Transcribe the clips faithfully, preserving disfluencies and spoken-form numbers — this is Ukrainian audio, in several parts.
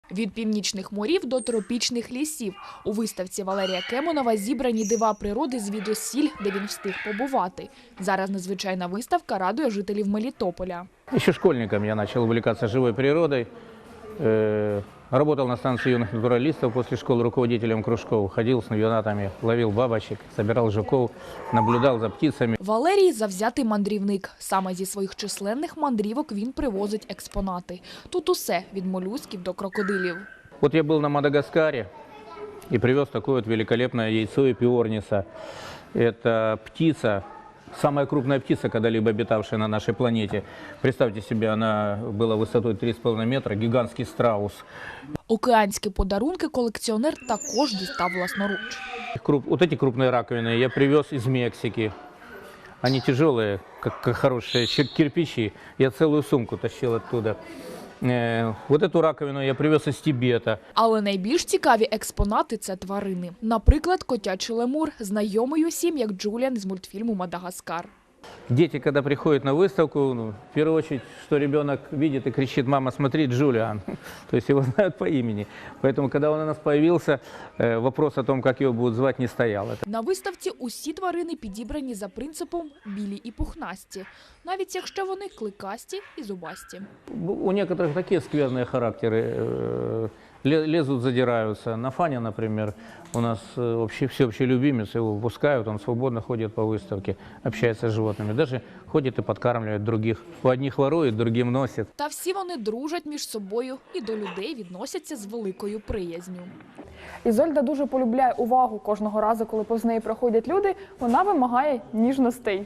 Від північних морів до тропічних лісів. У виставці Валерія Кемонова зібрані дива природи звідусіль, де він встиг побувати. Зараз незвичайна виставка радує жителів Мелітополя. Еще школьником я начал увлекаться живой природой. Э, Работал на станции юных натуралистов после школы руководителем кружков. Ходил с навигатами, ловил бабочек, собирал жуков, наблюдал за птицами. Валерій – завзятий мандрівник. Саме зі своїх численних мандрівок він привозить експонати. Тут усе – від молюсків до крокодилів. Вот я был на Мадагаскаре и привез такое вот великолепное яйцо эпиорниса. Это птица, самая крупная птица, когда-либо обитавшая на нашей планете. Представьте себе, она была высотой три с половиной метра, гигантский страус. Океанські подарунки колекціонер також дістав власноруч. Круп- Вот эти крупные раковины я привез из Мексики. Они тяжелые, как, как хорошие чер- кирпичи. Я целую сумку тащил оттуда. Э, Вот эту раковину я привез из Тибета. Але найбільш цікаві експонати – це тварини. Наприклад, котячий лемур, знайомий усім як Джуліан з мультфільму «Мадагаскар». Дети, когда приходят на выставку, ну, в первую очередь, что ребенок видит и кричит: «Мама, смотри, Джулиан!» То есть его знают по имени. Поэтому, когда он у нас появился, э, вопрос о том, как его будут звать, не стоял. На виставці усі тварини підібрані за принципом «білі і пухнасті», навіть якщо вони кликасті і зубасті. У некоторых такие скверные характеры, э, ле- лезут, задираются. На Фане, например, у нас э, вообще всеобщий любимец, его выпускают, он свободно ходит по выставке, общается с животными, даже ходит и подкармливает других. У одних ворует, другим носит. Та всі вони дружать між собою і до людей відносяться з великою приязнью. Ізольда дуже полюбляє увагу. Кожного разу, коли повз неї проходять люди, вона вимагає ніжностей.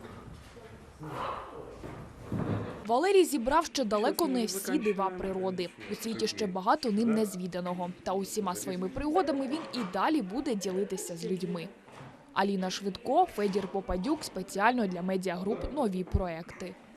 Валерій зібрав ще далеко не всі дива природи. У світі ще багато ним незвіданого. Та усіма своїми пригодами він і далі буде ділитися з людьми. Аліна Швидко, Федір Попадюк спеціально для медіагруп «Нові проекти».